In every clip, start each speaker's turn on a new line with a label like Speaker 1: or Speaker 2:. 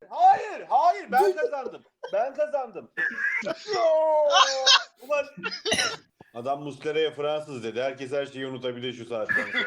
Speaker 1: Hayır ben kazandım. Ben kazandım. Ulan adam Muslera'ya Fransız dedi. Herkes her şeyi unutabilir şu saatten sonra.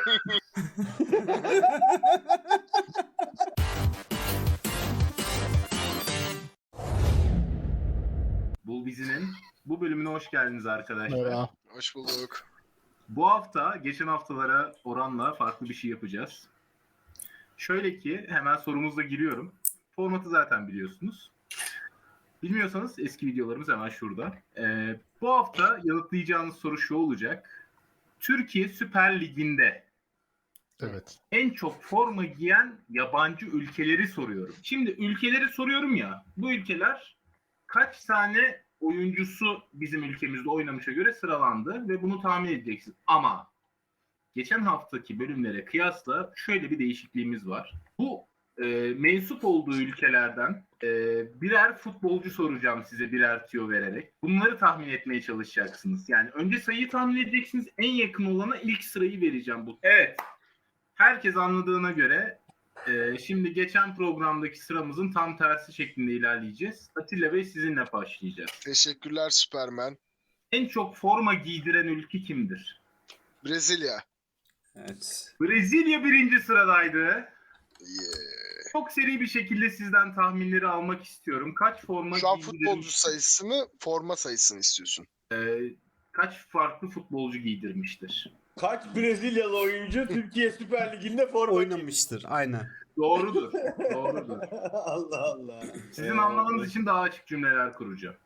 Speaker 2: Bul Bizi'nin bu bölümüne hoş geldiniz arkadaşlar.
Speaker 3: Merhaba.
Speaker 4: Hoş bulduk.
Speaker 2: Bu hafta geçen haftalara oranla farklı bir şey yapacağız. Şöyle ki hemen sorumuzla giriyorum. Formatı zaten biliyorsunuz. Bilmiyorsanız eski videolarımız hemen şurada. Bu hafta yanıtlayacağınız soru şu olacak. Türkiye Süper Ligi'nde
Speaker 3: Evet.
Speaker 2: en çok forma giyen yabancı ülkeleri soruyorum. Şimdi ülkeleri soruyorum ya. Bu ülkeler kaç tane oyuncusu bizim ülkemizde oynamışa göre sıralandı ve bunu tahmin edeceksin. Ama geçen haftaki bölümlere kıyasla şöyle bir değişikliğimiz var. Bu mensup olduğu ülkelerden birer futbolcu soracağım size birer tüyo vererek. Bunları tahmin etmeye çalışacaksınız. Yani önce sayıyı tahmin edeceksiniz. En yakın olana ilk sırayı vereceğim bu. Evet. Herkes anladığına göre şimdi geçen programdaki sıramızın tam tersi şeklinde ilerleyeceğiz. Atilla Bey sizinle başlayacağız.
Speaker 4: Teşekkürler Süpermen.
Speaker 2: En çok forma giydiren ülke kimdir?
Speaker 4: Brezilya.
Speaker 1: Evet.
Speaker 2: Brezilya birinci sıradaydı.
Speaker 4: Yeah.
Speaker 2: Çok seri bir şekilde sizden tahminleri almak istiyorum. Kaç forma
Speaker 4: Şu an
Speaker 2: giydirmiş-
Speaker 4: futbolcu sayısını, forma sayısını istiyorsun.
Speaker 2: kaç farklı futbolcu giydirmiştir?
Speaker 1: Kaç Brezilyalı oyuncu Türkiye Süper Ligi'nde forma
Speaker 5: oynamıştır. Aynen.
Speaker 2: Doğrudur. Doğrudur.
Speaker 1: Allah Allah.
Speaker 2: Sizin anlamanız için daha açık cümleler kuracağım.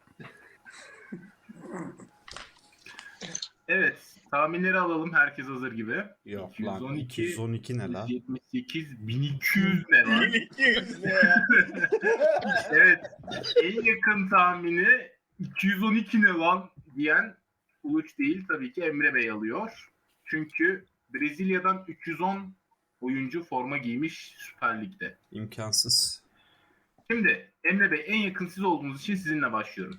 Speaker 2: Evet. Tahminleri alalım. Herkes hazır gibi.
Speaker 5: Yok lan
Speaker 2: 212,
Speaker 5: 212 ne la?
Speaker 2: 78, 1200 ne lan?
Speaker 1: 1200 ne ya?
Speaker 2: Evet. En yakın tahmini 212 ne lan diyen Uluç değil. Tabii ki Emre Bey alıyor. Çünkü Brezilya'dan 310 oyuncu forma giymiş Süper Lig'de.
Speaker 5: İmkansız.
Speaker 2: Şimdi Emre Bey en yakın siz olduğunuz için sizinle başlıyorum.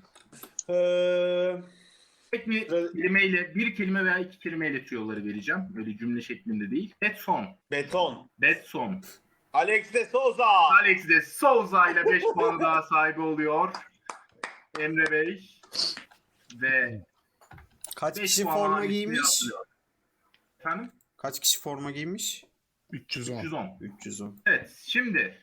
Speaker 2: Tek bir kelimeyle, bir kelime veya iki kelimeyle tüyoları vereceğim. Böyle cümle şeklinde değil. Betson.
Speaker 1: Beton.
Speaker 2: Betson.
Speaker 1: Alex de Souza.
Speaker 2: Alex de Souza ile 5 puan daha sahibi oluyor. Emre Bey. Ve
Speaker 5: Kaç
Speaker 2: 5
Speaker 5: kişi
Speaker 2: puan
Speaker 5: forma
Speaker 2: daha
Speaker 5: giymiş?
Speaker 2: yapılıyor. Efendim?
Speaker 5: Kaç kişi forma giymiş?
Speaker 3: 310.
Speaker 2: 310.
Speaker 5: 310.
Speaker 2: Evet. Şimdi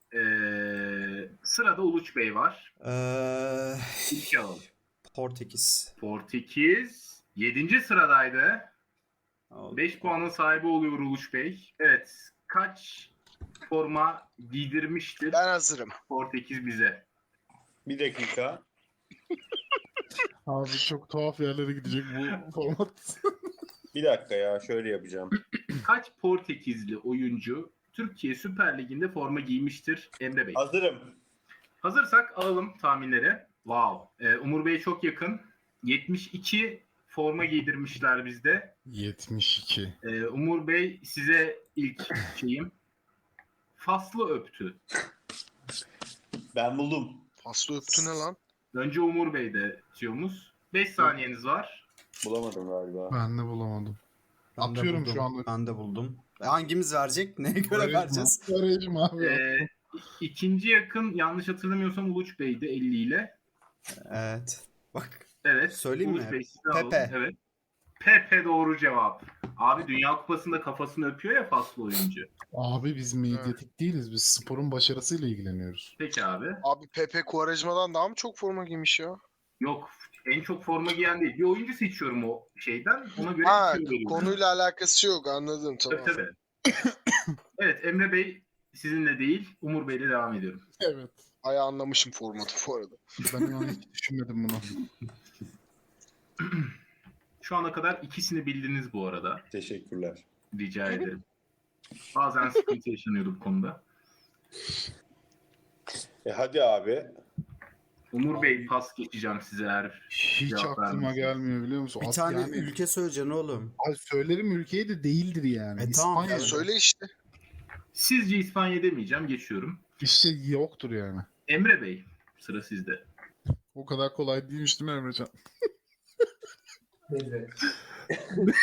Speaker 2: sırada Uluç Bey var. İlk alalım.
Speaker 5: Portekiz.
Speaker 2: Portekiz 7. sıradaydı.
Speaker 5: Oldu.
Speaker 2: 5 puanın sahibi oluyor Uluç Bey. Evet. Kaç forma giydirmiştir
Speaker 4: Ben hazırım.
Speaker 2: Portekiz bize?
Speaker 1: Bir dakika.
Speaker 3: Abi çok tuhaf yerlere gidecek bu format.
Speaker 1: Bir dakika ya şöyle yapacağım.
Speaker 2: Kaç Portekizli oyuncu Türkiye Süper Ligi'nde forma giymiştir Emre Bey?
Speaker 1: Hazırım.
Speaker 2: Hazırsak alalım tahminleri. Wow. Umur Bey çok yakın. 72 forma giydirmişler bizde.
Speaker 3: 72.
Speaker 2: Umur Bey size ilk şeyim. Faslı öptü.
Speaker 1: Ben buldum.
Speaker 4: Faslı öptü ne lan?
Speaker 2: Önce Umur Bey'de tüyomuz. 5 saniyeniz var.
Speaker 1: Bulamadım galiba.
Speaker 3: Ben de bulamadım.
Speaker 5: Ben de
Speaker 3: Atıyorum
Speaker 5: buldum.
Speaker 3: şu anda.
Speaker 5: Ben de buldum. Hangimiz verecek? Neye göre vereceğiz?
Speaker 3: Arayacağım abi.
Speaker 2: İkinci yakın yanlış hatırlamıyorsam Uluç Bey'di 50 ile.
Speaker 5: Evet. Bak.
Speaker 2: Evet.
Speaker 5: Söyleyeyim
Speaker 2: Uluç
Speaker 5: mi?
Speaker 2: Bey size alalım.
Speaker 5: Pepe.
Speaker 2: Evet. Pepe doğru cevap. Abi Dünya Kupası'nda kafasını öpüyor ya faslı oyuncu.
Speaker 3: Abi biz medyatik değiliz. Biz sporun başarısıyla ilgileniyoruz.
Speaker 2: Peki abi.
Speaker 4: Abi Pepe Quaresma'dan daha mı çok forma giymiş ya?
Speaker 2: Yok en çok forma giyen değil. Bir oyuncu seçiyorum o şeyden. Ona göre
Speaker 4: Ha,
Speaker 2: bir şey veriyorum.
Speaker 4: konuyla alakası yok, anladım,
Speaker 2: Tabii
Speaker 4: tamam.
Speaker 2: tabii. Evet Emre Bey sizinle değil Umur Bey'le devam ediyorum.
Speaker 3: Evet.
Speaker 4: Bayağı anlamışım formatı bu arada.
Speaker 3: Ben onu hiç düşünmedim bunu.
Speaker 2: Şu ana kadar ikisini bildiniz bu arada.
Speaker 1: Teşekkürler.
Speaker 2: Rica ederim. Bazen sıkıntı yaşanıyordu bu konuda.
Speaker 1: Hadi abi.
Speaker 2: Umur Bey pas geçeceğim size eğer.
Speaker 3: Hiç
Speaker 2: Cevap
Speaker 3: aklıma
Speaker 2: vermesin.
Speaker 3: gelmiyor biliyor musun?
Speaker 5: Bir tane
Speaker 3: Yani,
Speaker 5: ülke söyleyeceksin oğlum.
Speaker 3: abi söylerim ülkeyi de değildir yani.
Speaker 5: Tamam,
Speaker 3: İspanya
Speaker 4: Ya söyle işte.
Speaker 2: Sizce İspanya demeyeceğim geçiyorum.
Speaker 3: işte yoktur yani.
Speaker 2: Emre Bey sıra sizde.
Speaker 3: O kadar kolay değilmiş değil mi Emrecan?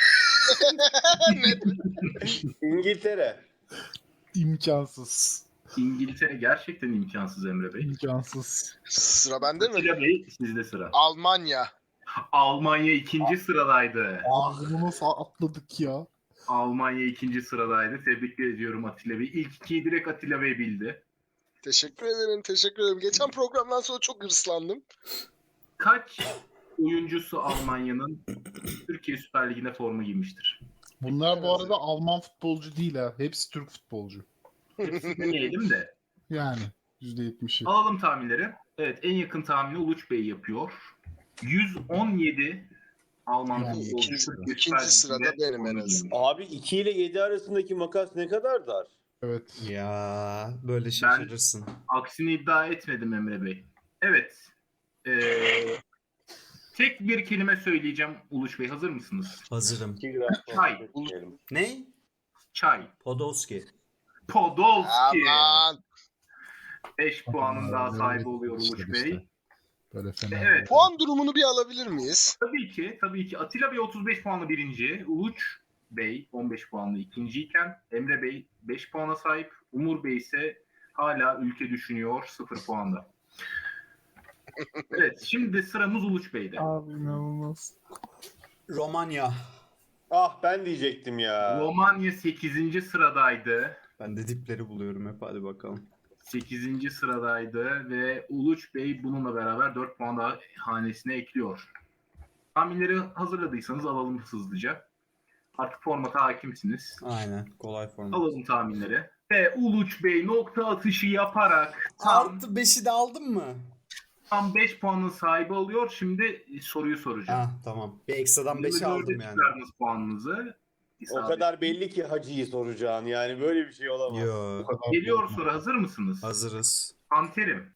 Speaker 1: İngiltere.
Speaker 3: İmkansız.
Speaker 2: İngiltere gerçekten imkansız Emre Bey.
Speaker 3: İmkansız.
Speaker 4: Sıra bende mi?
Speaker 2: Atilla Bey sizde sıra.
Speaker 4: Almanya.
Speaker 2: Almanya ikinci sıradaydı.
Speaker 3: Abi bunu nasıl atladık ya?
Speaker 2: Almanya ikinci sıradaydı. Tebrik ediyorum Atilla Bey. İlk ikiyi direkt Atilla Bey bildi.
Speaker 4: Teşekkür ederim, teşekkür ederim. Geçen programdan sonra çok hırslandım.
Speaker 2: Kaç oyuncusu Almanya'nın Türkiye Süper Ligi'ne forma giymiştir?
Speaker 3: Bunlar bu arada Alman futbolcu değil ha. Hepsi Türk futbolcu.
Speaker 2: Hepsini demeyelim de.
Speaker 3: Yani %70'i.
Speaker 2: Alalım tahminleri. Evet, en yakın tahmini Uluç Bey yapıyor. 117 Alman
Speaker 3: Yani
Speaker 2: futbolcu
Speaker 3: ikinci
Speaker 2: Türkiye
Speaker 4: İkinci
Speaker 2: Süper
Speaker 4: sırada
Speaker 2: Ligi'nde
Speaker 4: benim en
Speaker 2: forma
Speaker 4: azından.
Speaker 2: giymiş.
Speaker 1: Abi 2 ile 7 arasındaki makas ne kadar dar?
Speaker 3: Evet.
Speaker 5: Ya böyle şaşırırsın.
Speaker 2: Aksini iddia etmedim Emre Bey. Evet. Tek bir kelime söyleyeceğim Uluç Bey. Hazır mısınız?
Speaker 5: Hazırım.
Speaker 1: 2 gram
Speaker 2: Çay.
Speaker 1: bekleyelim.
Speaker 5: Ne?
Speaker 2: Çay.
Speaker 5: Podolski.
Speaker 2: Podolski.
Speaker 4: Aman.
Speaker 2: 5 puanın daha
Speaker 3: Böyle
Speaker 2: sahibi oluyor Uluç
Speaker 3: işte.
Speaker 2: Bey.
Speaker 3: Böyle fena.
Speaker 2: Evet.
Speaker 4: Puan durumunu bir alabilir miyiz?
Speaker 2: Tabii ki, tabii ki. Atilla Bey 35 puanlı birinci, Uluç Bey 15 puanlı ikinciyken Emre Bey 5 puana sahip, Umur Bey ise hala ülke düşünüyor 0 puanda. Evet, şimdi sıramız Uluç Bey'de.
Speaker 3: Abi inanılmaz.
Speaker 5: Romanya.
Speaker 1: Ah ben diyecektim ya.
Speaker 2: Romanya 8. sıradaydı.
Speaker 5: Ben de dipleri buluyorum hep, hadi bakalım.
Speaker 2: 8. sıradaydı ve Uluç Bey bununla beraber 4 puan daha hanesine ekliyor. Tahminleri hazırladıysanız alalım hızlıca. Artık formata hakimsiniz.
Speaker 5: Aynen, kolay format.
Speaker 2: Alalım tahminleri. Ve Uluç Bey nokta atışı yaparak tam
Speaker 5: Artı 5'i de aldın mı?
Speaker 2: 5 puanın sahibi oluyor. Şimdi soruyu soracağım.
Speaker 5: Ha tamam. Bir ekstradan 5'i aldım
Speaker 2: 24'e
Speaker 5: yani.
Speaker 2: çıkardınız puanınızı.
Speaker 1: O kadar belli ki Hacı'yı soracağın, yani böyle bir şey olamaz.
Speaker 5: Yo,
Speaker 3: Bu kadar
Speaker 2: Geliyor
Speaker 3: korkma.
Speaker 2: soru, hazır mısınız?
Speaker 5: hazırız.
Speaker 2: Panterim.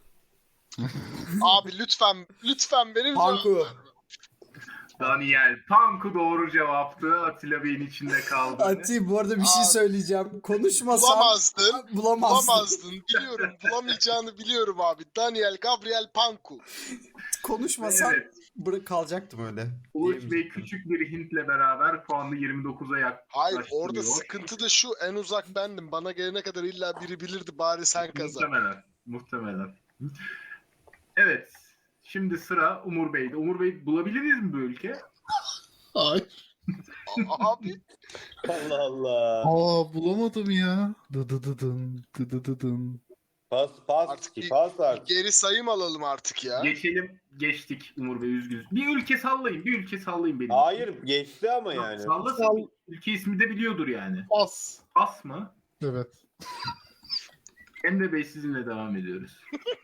Speaker 4: Abi lütfen benim
Speaker 5: Panku.
Speaker 2: Daniel Panku doğru cevaptı. Atilla Bey'in içinde kaldı.
Speaker 5: Ati bu arada bir şey
Speaker 4: Aa.
Speaker 5: söyleyeceğim. Konuşmasam
Speaker 4: bulamazdın.
Speaker 5: bulamazdım.
Speaker 4: Bulamazdın. Biliyorum. Bulamayacağını biliyorum abi. Daniel Gabriel Panku.
Speaker 5: Konuşmasam
Speaker 2: Evet.
Speaker 5: kalacaktım öyle.
Speaker 2: Uluç Bey
Speaker 5: Diyemeyecektim.
Speaker 2: küçük bir hintle beraber puanı 29'a
Speaker 4: Hayır
Speaker 2: yaklaştırıyor.
Speaker 4: orada sıkıntı da şu, en uzak bendim. Bana gelene kadar illa biri bilirdi, bari sen kazan.
Speaker 2: Muhtemelen. Muhtemelen. Evet. Şimdi sıra Umur Bey'de. Umur Bey bulabildiniz mi bu ülke?
Speaker 3: Ay.
Speaker 4: Abi
Speaker 1: Allah Allah.
Speaker 3: Aa bulamadım ya. Dıdıdıdın. Dıdıdıdın.
Speaker 1: Pas
Speaker 4: Artık bir-
Speaker 1: pas artık.
Speaker 4: geri sayım alalım artık ya.
Speaker 2: Geçtik Umur Bey, üzgünüz. Bir ülke sallayın. Bir ülke sallayın benim.
Speaker 1: Hayır geçti ama yani.
Speaker 2: Sallasın. Ülke ismi de biliyordur yani.
Speaker 3: Pas.
Speaker 2: Pas mı?
Speaker 3: Evet.
Speaker 2: Emre Bey sizinle devam ediyoruz.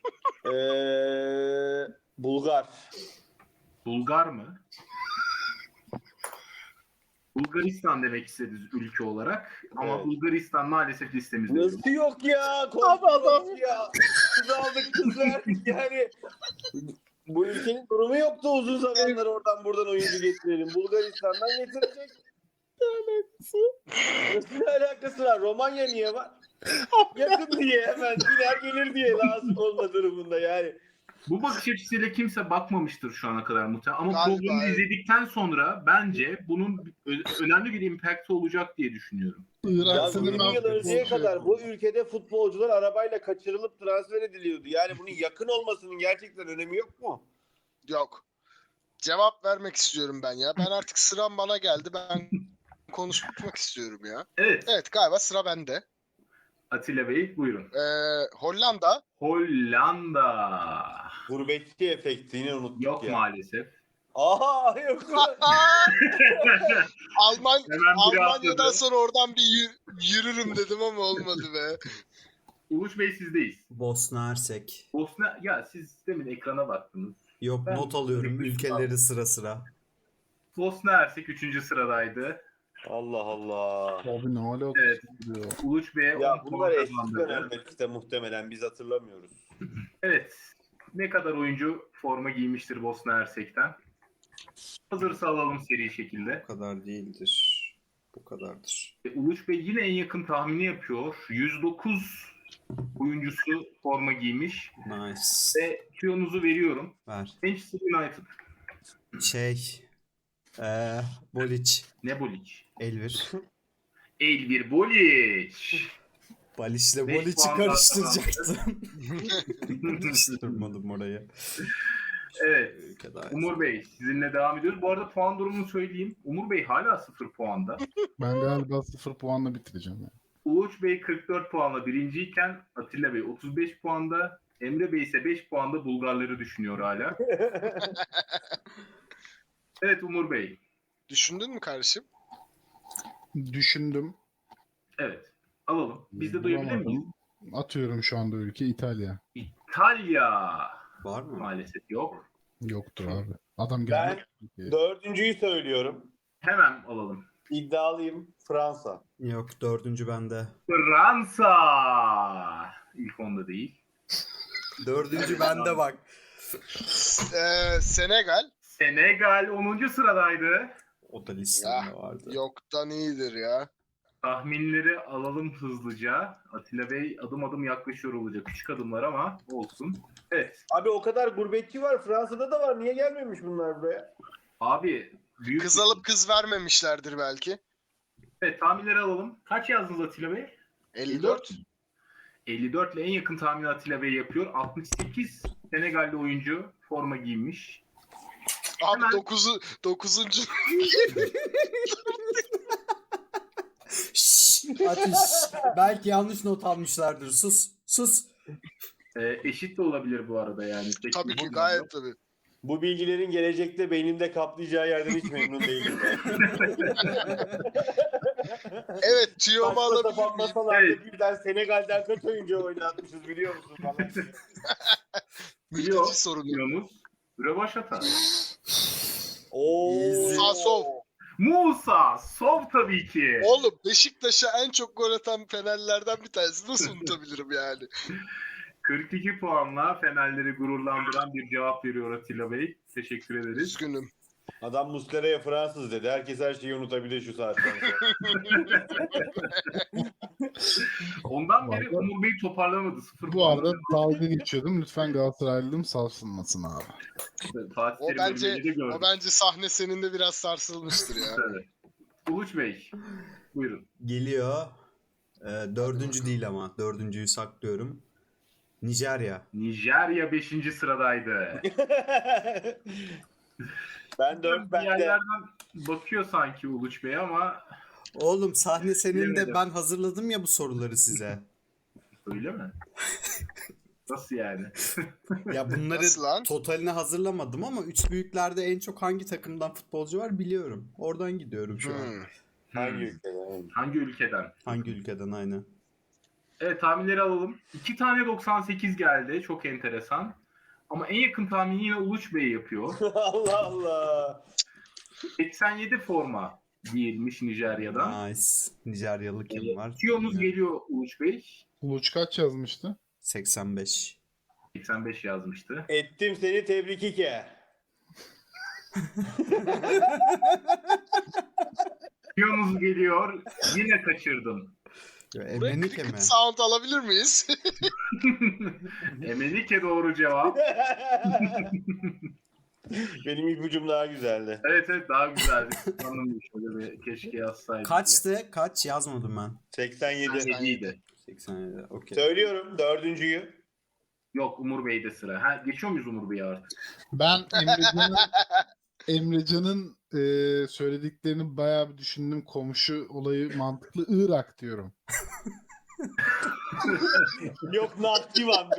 Speaker 1: Bulgar.
Speaker 2: Bulgar mı? Bulgaristan demek istediniz ülke olarak. Ama
Speaker 1: Evet.
Speaker 2: Bulgaristan maalesef listemizde yok.
Speaker 1: Nasıl yok ya?
Speaker 3: Abi adam-
Speaker 1: Ya. Kız aldık, kız verdik yani. Bu ülkenin durumu yoktu uzun zamanlar, oradan buradan oyuncu getirelim. Bulgaristan'dan getirecek. Nasıl ne alakası var? Romanya niye var? Yakın diye, hemen gider gelir diye, lazım olma durumunda yani.
Speaker 2: Bu bakış açısıyla kimse bakmamıştır şu ana kadar muhtemelen. Ama
Speaker 4: Galiba,
Speaker 2: programı
Speaker 4: evet.
Speaker 2: izledikten sonra bence bunun önemli bir impact'ı olacak diye düşünüyorum.
Speaker 3: Irak
Speaker 1: Ya
Speaker 3: sınırı
Speaker 1: 20 yıl önceye
Speaker 3: futbolcu
Speaker 1: kadar
Speaker 3: yok.
Speaker 1: bu ülkede futbolcular arabayla kaçırılıp transfer ediliyordu. Yani bunun yakın olmasının gerçekten önemi yok mu?
Speaker 4: Yok. Cevap vermek istiyorum ben ya. Ben artık sıram bana geldi. Ben konuşmak istiyorum ya.
Speaker 2: Evet,
Speaker 4: Evet galiba sıra bende.
Speaker 2: Atilla Bey buyurun.
Speaker 4: Hollanda.
Speaker 2: Hollanda.
Speaker 1: Gurbetçi efektini unuttuk
Speaker 2: Yok
Speaker 1: ya.
Speaker 2: maalesef.
Speaker 1: Aha yok.
Speaker 4: Alman
Speaker 2: Hemen biri
Speaker 4: Almanya'dan
Speaker 2: atladı.
Speaker 4: sonra oradan bir yürürüm dedim ama olmadı be.
Speaker 2: Uluç Bey sizdeyiz.
Speaker 5: Bosna Hersek.
Speaker 2: Bosna, ya siz demin ekrana baktınız.
Speaker 5: Yok,
Speaker 2: Ben-
Speaker 5: not alıyorum ülkeleri sıra sıra.
Speaker 2: Bosna Hersek 3. sıradaydı.
Speaker 1: Allah Allah.
Speaker 3: Abi ne alakası
Speaker 2: Evet.
Speaker 3: diyor.
Speaker 2: Uluç Bey'e 10
Speaker 1: Ya
Speaker 2: puan
Speaker 1: bunlar eski
Speaker 2: kazandırdı.
Speaker 1: dönemde işte, muhtemelen biz hatırlamıyoruz.
Speaker 2: Evet. Ne kadar oyuncu forma giymiştir Bosna Hersek'ten? Hazırsa alalım seri şekilde.
Speaker 5: Bu kadar değildir. Bu kadardır.
Speaker 2: Uluç Bey yine en yakın tahmini yapıyor. 109 oyuncusu forma giymiş.
Speaker 5: Nice.
Speaker 2: Ve tüyonuzu veriyorum.
Speaker 5: Ver.
Speaker 2: Manchester United.
Speaker 5: Boliç.
Speaker 2: Ne Bolic?
Speaker 5: Elvir.
Speaker 2: Elvir Bolic.
Speaker 5: Baliş'le
Speaker 2: Beş
Speaker 5: Boliç'i
Speaker 2: puan daha
Speaker 5: karıştıracaktım. Karıştırmadım orayı.
Speaker 2: Evet.
Speaker 5: Kadar.
Speaker 2: Umur Bey sizinle devam ediyoruz. Bu arada puan durumunu söyleyeyim. Umur Bey hala 0 puanda.
Speaker 3: Ben galiba 0 puanla bitireceğim. Yani.
Speaker 2: Uluç Bey 44 puanla birinciyken Atilla Bey 35 puanda. Emre Bey ise 5 puanda Bulgarları düşünüyor hala. Evet Umur Bey.
Speaker 4: Düşündün mü kardeşim?
Speaker 3: Düşündüm.
Speaker 2: Evet. Alalım. Biz de duyabilir miyiz?
Speaker 3: Bulamadım. Atıyorum şu anda ülke İtalya.
Speaker 2: İtalya.
Speaker 5: Var mı?
Speaker 2: Maalesef yok.
Speaker 3: Yoktur abi. Adam
Speaker 1: Ben
Speaker 3: geldi.
Speaker 1: dördüncüyü söylüyorum.
Speaker 2: Hemen alalım.
Speaker 1: İddialıyım. Fransa.
Speaker 5: Yok, dördüncü bende.
Speaker 2: Fransa. İlk onda değil.
Speaker 5: Dördüncü bende bak.
Speaker 4: Senegal.
Speaker 2: Senegal 10. sıradaydı.
Speaker 5: O da listemde vardı.
Speaker 4: Yoktan iyidir ya.
Speaker 2: Tahminleri alalım hızlıca. Atilla Bey adım adım yaklaşıyor olacak. Küçük adımlar ama olsun. Evet.
Speaker 1: Abi o kadar gurbetçi var. Fransa'da da var. Niye gelmemiş bunlar buraya?
Speaker 2: Abi büyük
Speaker 4: Kız alıp kız vermemişlerdir belki.
Speaker 2: Evet tahminleri alalım. Kaç yazdınız Atilla Bey?
Speaker 4: 54.
Speaker 2: 54 ile en yakın tahmini Atilla Bey yapıyor. 68 Senegalli oyuncu forma giymiş.
Speaker 4: Abi
Speaker 2: Hemen-
Speaker 4: 9.
Speaker 5: Şşş, Ateş. Belki yanlış not almışlardır. Sus. Sus.
Speaker 2: Eşit de olabilir bu arada yani. Tek
Speaker 4: Tabii
Speaker 2: bir
Speaker 4: ki
Speaker 2: bu-
Speaker 4: gayet tabii.
Speaker 1: Bu bilgilerin gelecekte beynimde kaplayacağı yerden hiç memnun değilim.
Speaker 4: Evet tüyomu
Speaker 1: Saçma
Speaker 4: alabilir
Speaker 1: sapan
Speaker 4: miyim?
Speaker 1: masalarda
Speaker 2: Evet.
Speaker 1: birden Senegal'den kaç oyuncu oynatmışız biliyor musun falan.
Speaker 2: Biliyor.
Speaker 4: Mülteci sorunu.
Speaker 2: Biliyorsunuz. Rövaşata.
Speaker 1: Oo.
Speaker 4: Musa Sov.
Speaker 2: Musa Sov tabii ki.
Speaker 4: Oğlum Beşiktaş'a en çok gol atan Fenerlerden bir tanesi. Nasıl unutabilirim yani?
Speaker 2: 42 puanla Fenerleri gururlandıran bir cevap veriyor Atilla Bey. Teşekkür ederiz.
Speaker 4: Üzgünüm.
Speaker 1: Adam Muslera'ya Fransız dedi. Herkes her şeyi unutabilir şu saatten sonra.
Speaker 2: Ondan
Speaker 3: Bu
Speaker 2: beri
Speaker 3: arada-
Speaker 2: Umur Bey toparlamadı. 0
Speaker 3: Bu arada dalga geçiyordum. Lütfen Galatasaraylılığım sarsılmasın abi.
Speaker 2: Fatih
Speaker 4: O
Speaker 2: Terim
Speaker 4: bence
Speaker 2: örneğini de gördük.
Speaker 4: o bence sahne senin de biraz sarsılmıştır ya.
Speaker 2: Evet. Uluç Bey. Buyurun.
Speaker 5: Geliyor. Dördüncü değil ama. Dördüncüyü saklıyorum. Nijerya.
Speaker 2: Nijerya 5. sıradaydı.
Speaker 1: Ben 4
Speaker 2: Bir
Speaker 1: bende.
Speaker 2: yerlerden bakıyor sanki Uluç Bey ama
Speaker 5: Oğlum sahne senin de
Speaker 2: Bilemedim.
Speaker 5: ben hazırladım ya bu soruları size.
Speaker 2: öyle mi? Nasıl yani?
Speaker 5: Ya bunları
Speaker 4: Nasıl lan?
Speaker 5: totaline hazırlamadım ama üç büyüklerde en çok hangi takımdan futbolcu var biliyorum. Oradan gidiyorum şu an.
Speaker 4: Hmm.
Speaker 1: Hangi ülkeden?
Speaker 2: Hangi ülkeden?
Speaker 5: Hangi ülkeden aynı.
Speaker 2: Evet tahminleri alalım. 2 tane 98 geldi. Çok enteresan. Ama en yakın tahmini yine Uluç Bey yapıyor.
Speaker 1: Allah Allah.
Speaker 2: 87 forma giyilmiş Nijerya'dan.
Speaker 5: Nice. Nijeryalı kim var?
Speaker 2: Tiyomuz
Speaker 5: Bilmiyorum.
Speaker 2: geliyor Uluç Bey.
Speaker 3: Uluç kaç yazmıştı?
Speaker 5: 85.
Speaker 2: 85 yazmıştı.
Speaker 1: Ettim seni tebrik ike.
Speaker 2: Tiyomuz geliyor. Yine kaçırdım.
Speaker 4: Buraya
Speaker 5: Emenike mi?
Speaker 4: cricket sound alabilir miyiz?
Speaker 2: Emenike doğru cevap.
Speaker 1: Benim ipucum daha güzeldi.
Speaker 2: Evet daha güzeldi. Anladım şöyle bir keşke yazsaydım.
Speaker 5: Kaçtı? Kaç yazmadım ben.
Speaker 1: 87.
Speaker 2: 87'ydi.
Speaker 5: 87. Okey.
Speaker 1: Söylüyorum dördüncüyü.
Speaker 2: Yok Umur Bey'de sıra. Ha, geçiyor muyuz Umur Bey'e artık?
Speaker 3: Ben Emrecan'ın söylediklerini bayağı bir düşündüm. Komşu olayı mantıklı. Irak diyorum.
Speaker 1: Yok Nahçıvan.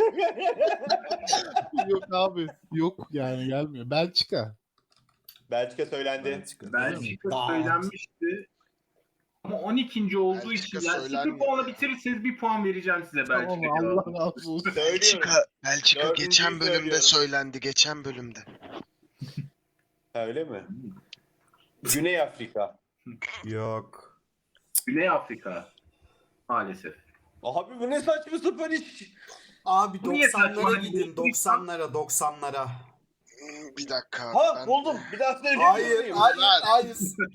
Speaker 3: Yok abi. Yok yani gelmiyor. Belçika.
Speaker 1: Belçika söylendi.
Speaker 2: Belçika
Speaker 5: Dağıt.
Speaker 2: söylenmişti. Ama 12. olduğu
Speaker 4: Belçika
Speaker 2: için yani 0
Speaker 4: söylenmiyor.
Speaker 2: puanla bitirirseniz 1 puan vereceğim size
Speaker 3: Tamam
Speaker 2: Belçika
Speaker 3: Allah
Speaker 2: cevabı.
Speaker 3: razı olsun.
Speaker 1: Söylüyorum.
Speaker 4: Belçika
Speaker 1: Dördüncüyü
Speaker 4: geçen bölümde
Speaker 1: söylüyorum.
Speaker 4: söylendi. Geçen bölümde.
Speaker 1: Ha, öyle mi? Güney Afrika.
Speaker 5: Yok.
Speaker 2: Güney Afrika. Maalesef.
Speaker 1: Abi bu ne saçma sapan iş.
Speaker 5: Abi
Speaker 2: Bu niye
Speaker 5: 90'lara
Speaker 2: saçma?
Speaker 5: gidin. 90'lara.
Speaker 4: Bir dakika.
Speaker 1: Ha
Speaker 4: ben-
Speaker 1: buldum. Bir daha söyleyeyim.
Speaker 5: Hayır. Hayır.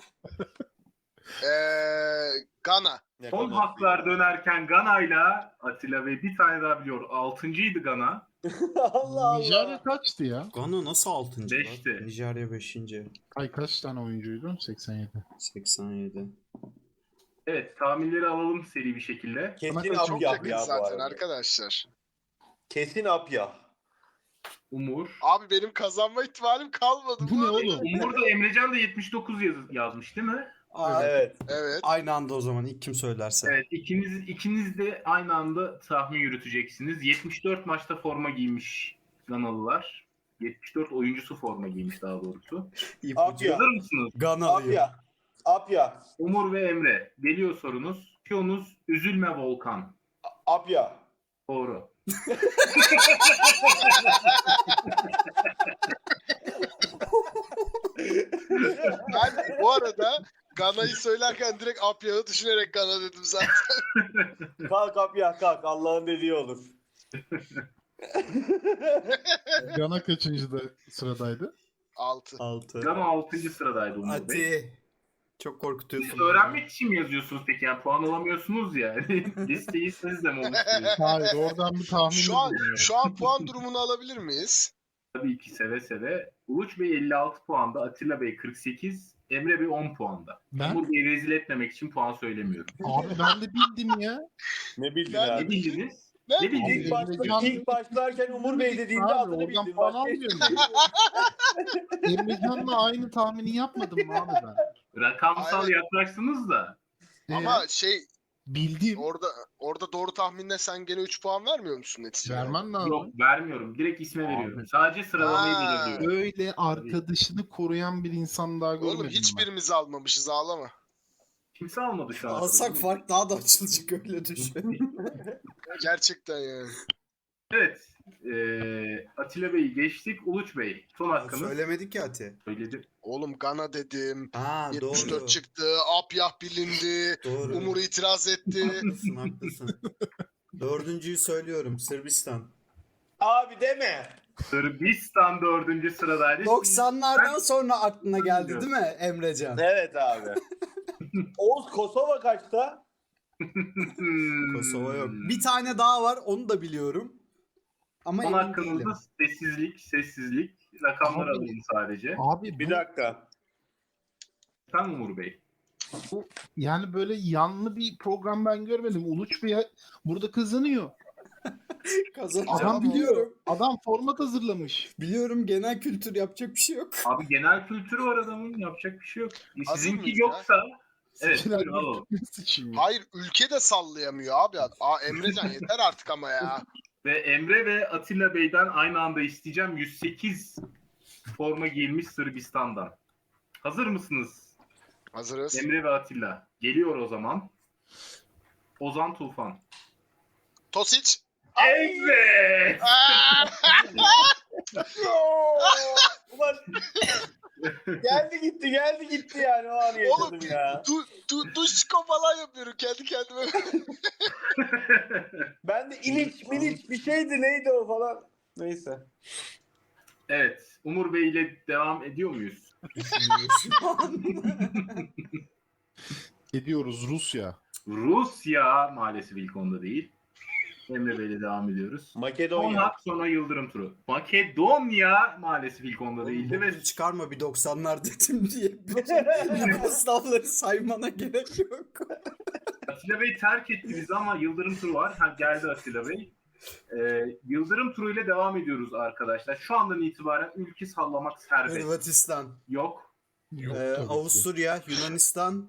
Speaker 4: Gana.
Speaker 1: Ne
Speaker 2: Son
Speaker 1: kadar-
Speaker 2: haklar dönerken Gana'yla Atilla Bey bir tane daha biliyor. 6.'ydı Gana.
Speaker 1: Allah Allah.
Speaker 3: Nijerya kaçtı ya?
Speaker 5: Gana nasıl 6.
Speaker 2: Beşti.
Speaker 5: Nijerya 5.
Speaker 3: Ay kaç tane oyuncuydu? 87.
Speaker 5: 87.
Speaker 2: Evet, tahminleri alalım seri bir şekilde.
Speaker 1: Kesin
Speaker 3: Çok
Speaker 4: Çok
Speaker 1: Apyah
Speaker 4: yakın
Speaker 1: ya bu
Speaker 4: zaten
Speaker 1: arada.
Speaker 4: arkadaşlar.
Speaker 1: Kesin Apyah.
Speaker 2: Umur.
Speaker 4: Abi benim kazanma ihtimalim kalmadı.
Speaker 3: Bu ne oğlum?
Speaker 2: Umur da Emrecan da 79 yazmış değil mi?
Speaker 1: Evet.
Speaker 4: Evet.
Speaker 5: Aynı anda o zaman ilk kim söylerse.
Speaker 2: Evet, ikiniz de aynı anda tahmin yürüteceksiniz. 74 maçta forma giymiş Ganalılar. 74 oyuncusu forma giymiş daha doğrusu.
Speaker 5: İpucu.
Speaker 1: Apyah.
Speaker 2: Hazır mısınız?
Speaker 5: Ganalıyım.
Speaker 1: Apyah. Apyah.
Speaker 2: Umur ve Emre. Geliyor sorunuz. Piyonuz üzülme Volkan.
Speaker 1: Apyah.
Speaker 2: Doğru.
Speaker 4: Ben bu arada Gana'yı söylerken direkt Apya'yı düşünerek Gana dedim zaten.
Speaker 1: Kalk Apyah kalk. Allah'ın dediği olur.
Speaker 3: Gana kaçıncı da sıradaydı?
Speaker 4: 6.
Speaker 5: 6.
Speaker 2: Gana 6. sıradaydı Umur Bey.
Speaker 5: Hadi. Çok korkutuyorsun.
Speaker 2: Siz öğrenmek için mi yazıyorsunuz peki? Yani puan alamıyorsunuz ya. Listeyi siz de mi oluşturuyorsunuz?
Speaker 3: Hayır, oradan bir tahmin
Speaker 4: Şu an puan durumunu alabilir miyiz?
Speaker 2: Tabii ki seve seve. Uluç Bey 56 puanda, Atilla Bey 48, Emre Bey 10 puanda.
Speaker 3: Ben?
Speaker 2: Umur Bey'i rezil etmemek için puan söylemiyorum.
Speaker 3: Abi ben de bildim ya.
Speaker 1: Ne bildin
Speaker 4: Ben-
Speaker 2: Ne
Speaker 1: abi?
Speaker 2: bildiniz?
Speaker 4: Ne?
Speaker 2: Ne bildiniz?
Speaker 1: İlk başlarken Umur Bey dediğinde
Speaker 3: Abi,
Speaker 1: adını
Speaker 3: oradan
Speaker 1: bildim.
Speaker 3: puan
Speaker 1: Başka hiçbir
Speaker 3: almıyorum.
Speaker 1: şey yok.
Speaker 3: Emrecan'la aynı tahmini yapmadım mı abi ben?
Speaker 2: Rakamsal
Speaker 4: Aynen.
Speaker 2: yaklaştınız da.
Speaker 4: Ama
Speaker 3: Bildim.
Speaker 4: orada doğru tahminle sen gene 3 puan vermiyor musun neticede?
Speaker 3: Vermen lazım.
Speaker 2: Yok vermiyorum. Direkt isme
Speaker 3: Abi.
Speaker 2: veriyorum. Sadece sıralamayı
Speaker 4: Ha.
Speaker 2: belirliyorum.
Speaker 3: Öyle arkadaşını koruyan bir insan daha görmedim
Speaker 4: Oğlum
Speaker 3: ben.
Speaker 4: hiçbirimiz almamışız ağlama.
Speaker 2: Kimse almadı şu an.
Speaker 5: Alsak fark daha da açılacak öyle düşün.
Speaker 4: Gerçekten yani.
Speaker 2: Evet. Atilla Bey'i geçtik. Uluç Bey. Son hakkınız.
Speaker 5: Söylemedik ya Ati.
Speaker 2: Söyledim.
Speaker 4: Oğlum Gana dedim.
Speaker 5: Ha
Speaker 4: 74
Speaker 5: doğru.
Speaker 4: çıktı. Apyah bilindi.
Speaker 5: Doğru.
Speaker 4: Umur itiraz etti.
Speaker 5: Haklısın haklısın. Dördüncüyü söylüyorum. Sırbistan.
Speaker 1: Abi deme.
Speaker 2: Sırbistan 4. sıradaydı.
Speaker 5: 90'lardan sonra aklına geldi değil mi Emrecan?
Speaker 1: Evet abi. Oğuz Kosova kaçta?
Speaker 5: Kosova yok. Bir tane daha var onu da biliyorum. Ama
Speaker 2: Son
Speaker 5: emin
Speaker 2: hakkınızda
Speaker 5: değilim.
Speaker 2: sessizlik. Rakamları
Speaker 3: Abi.
Speaker 2: alayım sadece.
Speaker 3: Abi
Speaker 1: Bir
Speaker 3: bu
Speaker 1: dakika.
Speaker 2: Sen Umur Bey.
Speaker 3: yani böyle yanlı bir program ben görmedim. Uluç Bey burada kazanıyor.
Speaker 5: Kazanacağım
Speaker 3: Adam
Speaker 5: biliyorum.
Speaker 3: Adam format hazırlamış.
Speaker 5: Biliyorum genel kültür yapacak bir şey yok.
Speaker 2: Abi genel kültürü var adamın. Yapacak bir şey yok.
Speaker 4: Hazır
Speaker 2: Sizinki
Speaker 4: mıyız
Speaker 2: yoksa evet
Speaker 3: Sikiler
Speaker 2: buyurun alalım.
Speaker 3: sıçayım.
Speaker 4: Hayır ülke de sallayamıyor abi. Emrecan yeter artık ama ya.
Speaker 2: Ve Emre ve Atilla Bey'den aynı anda isteyeceğim 108 forma giyilmiş Sırbistan'dan. Hazır mısınız?
Speaker 4: Hazırız.
Speaker 2: Emre ve Atilla. Geliyor o zaman. Ozan Tufan.
Speaker 4: Tosic.
Speaker 2: Evet.
Speaker 4: Aa!
Speaker 1: Ulan geldi gitti yani o an
Speaker 4: Oğlum,
Speaker 1: yaşadım ya.
Speaker 4: Duşko falan yapıyorum kendi kendime.
Speaker 1: Ben de iliç miliç bir şeydi neydi o falan. Neyse.
Speaker 2: Evet. Umur Bey ile devam ediyor muyuz?
Speaker 5: Şu an.
Speaker 3: Ediyoruz Rusya.
Speaker 2: Rusya maalesef ilk onda değil. Emre Bey ile devam ediyoruz. Son
Speaker 1: Makedonya.
Speaker 2: hak sonra Yıldırım turu. Makedonya maalesef ilk onda değildi ve
Speaker 5: Bunu çıkarma bir 90'lar dedim diye. Bütün Yugoslavları saymana gerek yok.
Speaker 2: Atilla Bey terk etti bizi ama Yıldırım turu var. Geldi Atilla Bey. Yıldırım turu ile devam ediyoruz arkadaşlar. Şu andan itibaren ülke sallamak serbest.
Speaker 5: Hırvatistan,
Speaker 2: Yok.
Speaker 3: Yok, tabii ki.
Speaker 5: Avusturya, Yunanistan,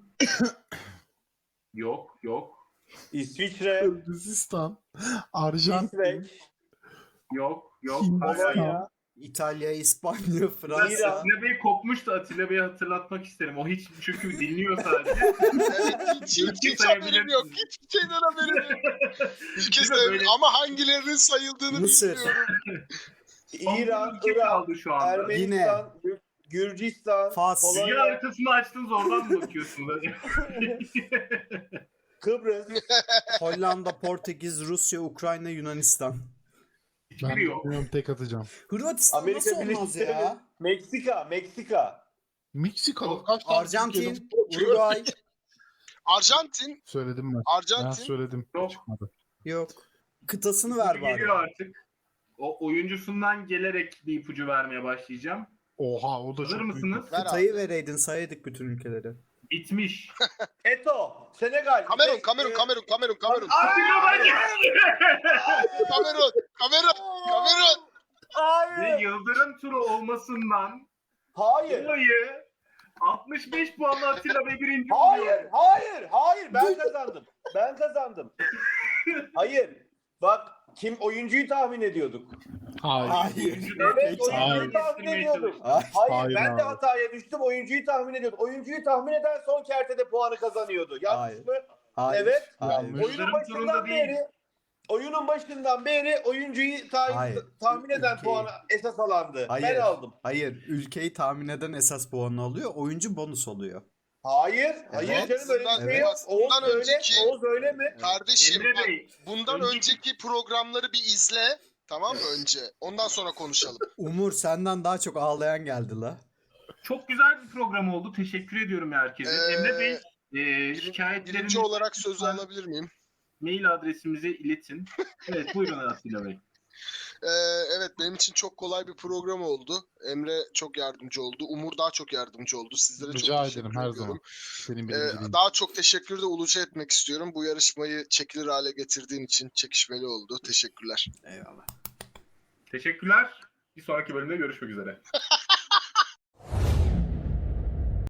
Speaker 2: Yok.
Speaker 1: İsviçre.
Speaker 3: Kırgızistan, Arjantin,
Speaker 1: İsveç.
Speaker 2: Yok.
Speaker 3: Hindistan.
Speaker 1: Polonya.
Speaker 5: İtalya, İspanya, Fransa.
Speaker 1: İran.
Speaker 2: Atilla Bey kopmuştu. Atilla Bey'i hatırlatmak isterim. O hiç çünkü dinliyor sadece.
Speaker 4: Evet, hiç haberim yok. Hiçbir şeyden haberim yok. Ülke
Speaker 2: Bir de böyle-
Speaker 4: ama hangilerinin sayıldığını
Speaker 5: Mısır.
Speaker 4: bilmiyorum.
Speaker 1: İran,
Speaker 2: Ülke
Speaker 1: Irak,
Speaker 2: kaldı şu anda.
Speaker 1: Ermenistan, Gürcistan,
Speaker 5: Fas.
Speaker 2: Dünya
Speaker 1: Polonya,
Speaker 2: haritasını açtınız oradan mı bakıyorsunuz?
Speaker 1: Kıbrıs.
Speaker 5: Hollanda, Portekiz, Rusya, Ukrayna, Yunanistan.
Speaker 3: Ben
Speaker 2: Hiçbiri yok.
Speaker 3: bilmiyorum, tek atacağım.
Speaker 5: Hırvatistan
Speaker 1: Amerika
Speaker 5: nasıl olmaz
Speaker 1: Birleşik
Speaker 5: ya?
Speaker 1: Devletleri. Meksika.
Speaker 3: Meksika'da kaç tane
Speaker 5: Arjantin,
Speaker 3: ülkeden-
Speaker 5: Uruguay.
Speaker 4: Arjantin.
Speaker 3: Söyledim ben. Ben
Speaker 4: Arjantin.
Speaker 3: söyledim.
Speaker 2: Yok.
Speaker 3: Çıkmadı.
Speaker 5: Yok. Kıtasını ver
Speaker 2: Geliyor
Speaker 5: bari.
Speaker 2: artık. O oyuncusundan gelerek bir ipucu vermeye başlayacağım.
Speaker 3: Oha o da
Speaker 2: Hazır
Speaker 3: çok büyük.
Speaker 2: mısınız?
Speaker 4: Ver
Speaker 5: Kıtayı vereydin sayaydık bütün ülkeleri.
Speaker 2: Bitmiş.
Speaker 1: Eto, Senegal.
Speaker 4: Kamerun.
Speaker 1: Kamerun.
Speaker 4: Kamerun.
Speaker 1: Hayır.
Speaker 2: Ve Yıldırım turu olmasından
Speaker 1: Hayır.
Speaker 2: dolayı 65 puanla Atilla Bey birinci oluyor.
Speaker 1: Hayır. Ben kazandım. Hayır. Bak oyuncuyu tahmin ediyorduk.
Speaker 3: Hayır.
Speaker 5: Hayır.
Speaker 1: Evet, oyuncuyu
Speaker 3: Hayır.
Speaker 1: tahmin ediyorduk.
Speaker 5: Hayır.
Speaker 1: Hayır, ben de
Speaker 3: abi.
Speaker 1: hataya düştüm. Oyuncuyu tahmin ediyordum. Oyuncuyu tahmin eden son kertede puanı kazanıyordu. Yanlış
Speaker 5: Hayır.
Speaker 1: mı?
Speaker 5: Hayır.
Speaker 1: Evet.
Speaker 5: Hayır.
Speaker 3: Yanlış.
Speaker 1: Oyunun başından beri oyuncuyu
Speaker 5: Hayır.
Speaker 1: tahmin eden
Speaker 5: Ülkeyi-
Speaker 1: puanı esas alandı.
Speaker 5: Hayır.
Speaker 1: Ben aldım.
Speaker 5: Hayır. Ülkeyi tahmin eden esas puanı alıyor. Oyuncu bonus oluyor.
Speaker 1: Hayır
Speaker 4: Evet,
Speaker 1: canım öyle bir
Speaker 4: bundan-
Speaker 1: şey yok.
Speaker 4: evet,
Speaker 1: Oğuz
Speaker 4: bundan
Speaker 1: söyle,
Speaker 4: önceki-
Speaker 1: Oğuz öyle mi?
Speaker 4: Kardeşim
Speaker 2: Emre
Speaker 4: bak,
Speaker 2: Bey.
Speaker 4: bundan önceki programları bir izle. Tamam mı önce? Ondan sonra konuşalım.
Speaker 5: Umur senden daha çok ağlayan geldi la.
Speaker 2: Çok güzel bir program oldu. Teşekkür ediyorum herkese. Emre Bey
Speaker 4: Birinci
Speaker 2: şikayetlerinizi
Speaker 4: olarak sözü alabilir miyim?
Speaker 2: mail adresimize iletin. Evet buyurun Atilla Bey.
Speaker 4: Evet, benim için çok kolay bir program oldu. Emre çok yardımcı oldu. Umur daha çok yardımcı oldu. Sizlere çok
Speaker 3: Rica
Speaker 4: teşekkür
Speaker 3: ederim her
Speaker 4: ediyorum.
Speaker 3: zaman. Senin birinciliğin.
Speaker 4: Daha çok teşekkür de Uluç'a etmek istiyorum. Bu yarışmayı çekilir hale getirdiğin için çekişmeli oldu. Teşekkürler.
Speaker 5: Eyvallah.
Speaker 2: Teşekkürler. Bir sonraki bölümde görüşmek üzere.